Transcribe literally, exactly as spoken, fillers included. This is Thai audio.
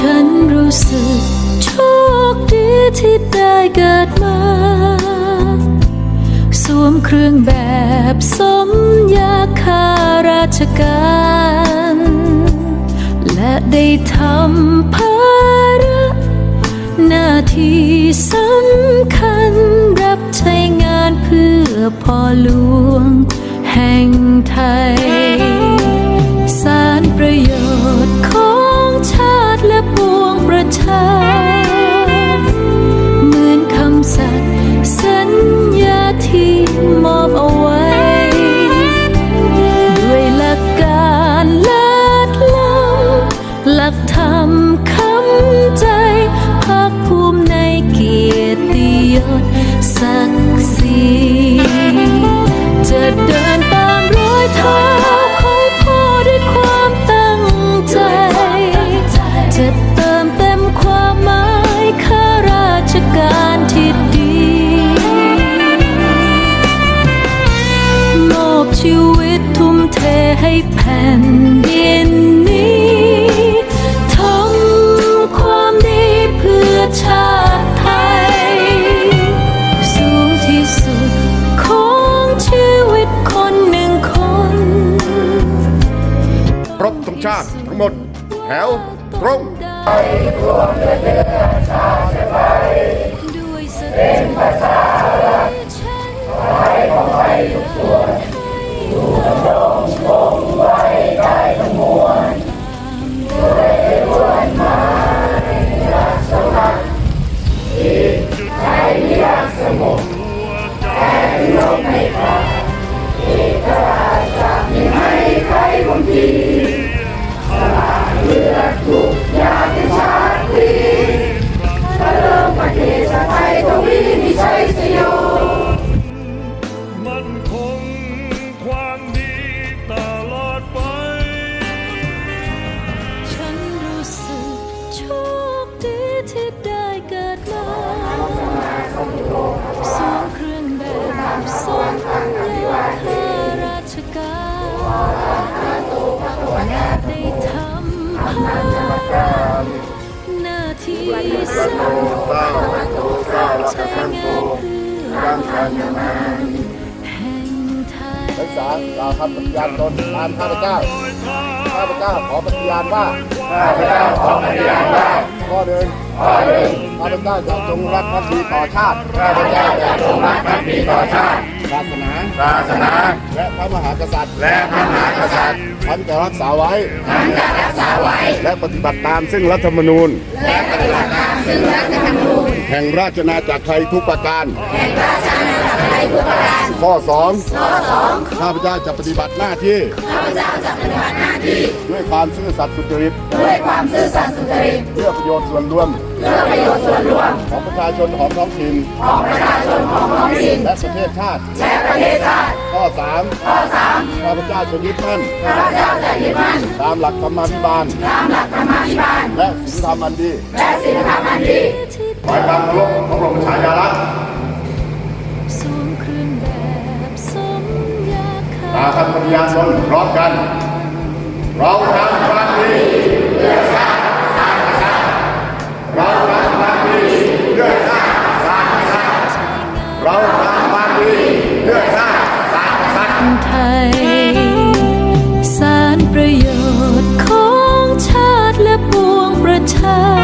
ฉันรู้สึกโชคดีที่ได้เกิดมาสวมเครื่องแบบสมยาข้าราชการและได้ทำภาระหน้าที่สำคัญรับใช้งานเพื่อพ่อหลวงแห่งไทยสารประโยชน์ของชาติและปวงประชาเหมือนคำสัตย์สัญญาที่มอบเอาไว้ด้วยหลักการเลิศล้ำหลักธรรมคำใจภาคภูมิในเกียรติยศศักดิ์ศรีจะเดินตามรอยเท้าของพ่อด้วยความตั้งใจจะเติมเต็มความหมายข้าราชการที่ดีมอบชีวิตทุ่มเทให้แผ่นดินนี้ทำความดีเพื่อชาติไทยสูงที่สุดของชีวิตคนหนึ่งคนครบธงชาติทั้งหมดแถวตรงด้วยสติปัญญาฉันไว้ของไว้ทุกส่วนอยู่ดำรงคงไว้ได้ทั้งมวลด้วยล้วนหมายรักสมัครจิตใจรักสงบแต่ลมไม่พัดเอกราชจะไม่ให้ใครคนดีสละเลือดทุกอย่างเป็นชาติดีพระเริ่มประเทศชาติไทยทวีมีชัยชโยมันคงความดีตลอดไปฉันรู้สึกโชคดีที่ได้เกิดมาสวมเครื่องแบบสมยาข้าราชการและได้ทำภาระหน้าที่สำคัญใช้งานเพื่อแห่งไทยนักศึกษากล่าวคำปฏิญาณตนตามข้าพเจ้าข้าพเจ้าขอปฏิญาณว่าข้าพเจ้าขอปฏิญาณว่าข้อหนึ่งข้อหนึ่งข้าพเจ้าจะจงรักภักดีต่อชาติข้าพเจ้าจะจงรักภักดีต่อชาติศาสนาศาสนาและพระมหากษัตริย์และพระมหากษัตริย์ฉันจะรักษาไว้ฉันจะรักษาไว้และปฏิบัติตามซึ่งรัฐธรรมนูญและปฏิบัติตามซึ่งรัฐธรรมนูญแห่งราชอาณาจักรไทยทุกประการแห่งราชอาณาจักรไทยทุกประการข้อสองข้อสองข้าพเจ้าจะปฏิบัติหน้าที่ข้าพเจ้าจะปฏิบัติหน้าที่ด้วยความซื่อสัตย์สุจริตด้วยความซื่อสัตย์สุจริตเพื่อประโยชน์ส่วนรวมเพื่อประโยชน์ส่วนรวมของประชาชนของท้องถิ่นของประชาชนของท้องถิ่นและประเทศชาติและประเทศชาติข้อสามข้อสามข้าพเจ้าจะยึดมั่นข้าพเจ้าจะยึดมั่นตามหลักธรรมาภิบาลตามหลักธรรมาภิบาลและศีลธรรมอันดีและศีลธรรมอันดีไว้ความเคารพพระบรมฉายาลักษณ์สวมเครื่องแบบสมยาข้าตามคำปฏิญาณตนพร้อมกันเราทำความดีเพื่อชาติศาสนาเราทำความดีเพื่อชาติศาสนาเราทำความดีเพื่อชาติศาสนาไทยสารประโยชน์ของชาติและปวงประชา